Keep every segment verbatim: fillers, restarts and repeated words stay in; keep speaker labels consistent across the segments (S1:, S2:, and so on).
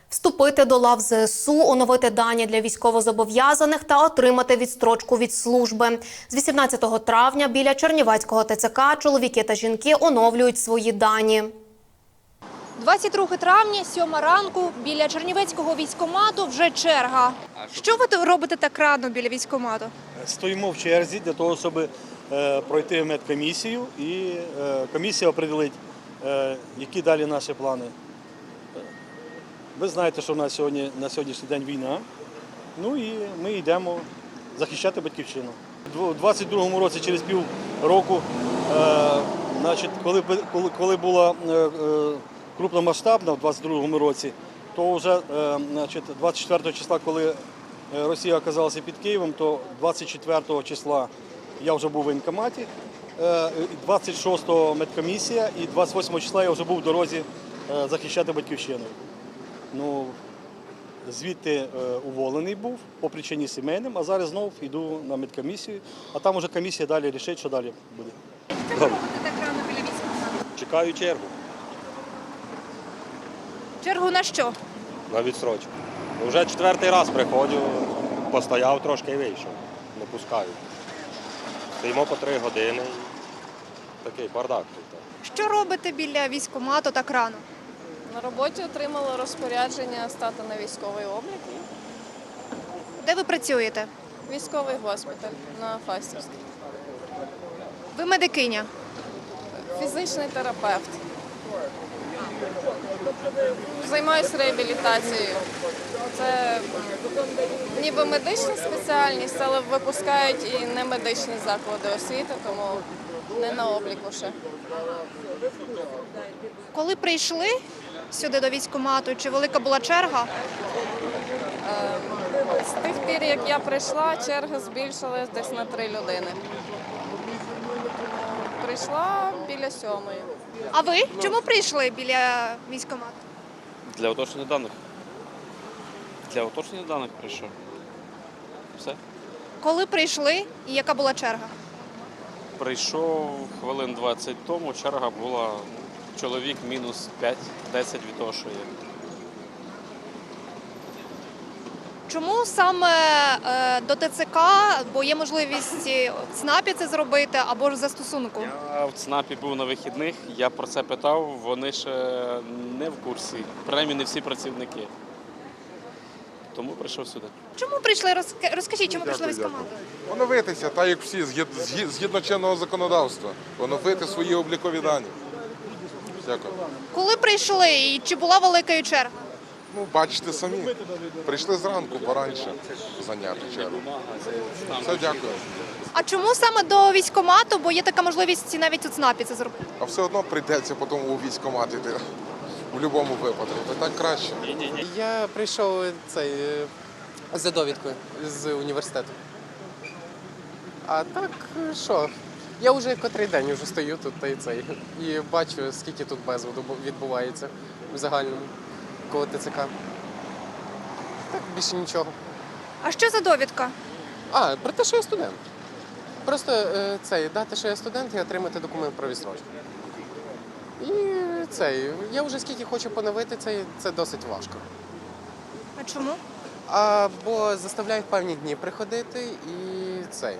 S1: Вступити до лав ЗСУ, оновити дані для військовозобов'язаних та отримати відстрочку від служби. З вісімнадцятого травня біля Чернівецького ТЦК чоловіки та жінки оновлюють свої дані.
S2: двадцять друге травня, сьома ранку, біля Чернівецького військкомату вже черга. Що ви робите так рано біля військкомату?
S3: Стоїмо в черзі для того, щоб е, пройти медкомісію, і е, комісія определить, е, які далі наші плани. Ви знаєте, що в нас сьогодні, на сьогоднішній день війна, ну і ми йдемо захищати батьківщину. У двадцять другому році, через пів року, е, значить, коли, коли, коли була е, е, крупномасштабна в двадцять другому році, то вже е, значить, двадцять четвертого числа, коли Росія оказалася під Києвом, то двадцять четвертого числа я вже був в воєнкоматі, двадцять шостого медкомісія і двадцять восьмого числа я вже був в дорозі захищати батьківщину. Ну, звідти уволений був по причині сімейним, а зараз знову йду на медкомісію, а там вже комісія далі вирішить, що далі буде.
S2: Що ви робите так рано біля військкомату?
S4: Чекаю чергу.
S2: Чергу на що?
S4: На відстрочку. Вже четвертий раз приходжу, постояв трошки і вийшов. Не пускають. Стоїмо по три години. Такий бардак тут.
S2: Що робите біля військкомату так рано?
S5: На роботі отримала розпорядження стати на військовий облік.
S2: Де ви працюєте?
S5: Військовий госпіталь на Фастівській.
S2: Ви медикиня.
S5: Фізичний терапевт. Займаюся реабілітацією. Це ніби медична спеціальність, але випускають і немедичні заклади освіти, тому не на обліку ще.
S2: Коли прийшли сюди до військкомату, чи велика була черга?
S5: З тих пір, як я прийшла, черга збільшилась десь на три людини. Прийшла біля сьомої.
S2: А ви чому прийшли біля військкомату?
S6: Для уточнення даних. Для уточнення даних прийшов. Все.
S2: Коли прийшли і яка була черга?
S6: Прийшов хвилин двадцять тому, черга була чоловік мінус п'ять-десять від того, що є.
S2: Чому саме е, до ТЦК, бо є можливість в ЦНАПі це зробити або ж в застосунку?
S6: Я в ЦНАПі був на вихідних, я про це питав, вони ще не в курсі, принаймні не всі працівники. Тому прийшов сюди.
S2: Чому прийшли? Розк- Розкажіть, чому прийшли в військкомат?
S7: Оновитися, так як всі, згід- згід- згідно чинного законодавства. Оновити свої облікові дані. Дякую.
S2: Коли прийшли і чи була велика черга?
S7: Ну, бачите самі. Прийшли зранку, пораніше зайняти чергу. Все, дякую.
S2: А чому саме до військкомату, бо є така можливість навіть у ЦНАПі це зробити?
S7: А все одно прийдеться потім у військкомат іти. В будь-якому випадку. То так краще.
S8: Я прийшов цей, е, за довідкою з університету. А так, що? Я вже котрий день вже стою тут та й цей. І бачу, скільки тут безладу відбувається в загальному коло ТЦК. Так, більше нічого.
S2: А що за довідка?
S8: А, про те, що я студент. Просто е, цей, дати, що я студент, і отримати документ про відстрочку. І цей, я вже скільки хочу поновити, цей, це досить важко.
S2: А чому?
S8: Або заставляють певні дні приходити і цей.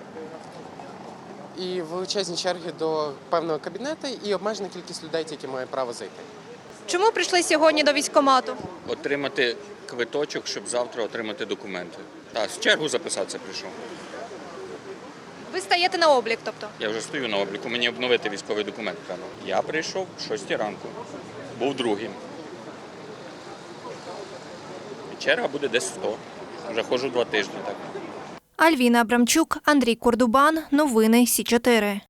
S8: І величезні черги до певного кабінету і обмежена кількість людей, які мають право зайти.
S2: Чому прийшли сьогодні до військкомату?
S9: Отримати квиточок, щоб завтра отримати документи. Так, з чергу записатися прийшов.
S2: Ви стаєте на облік, тобто?
S9: Я вже стою на обліку, мені обновити військовий документ треба. Я прийшов о шостій ранку, був другим. І черга буде десь сто. Вже ходжу два тижні так.
S2: Альвіна Абрамчук, Андрій Кордубан. Новини Сі чотири.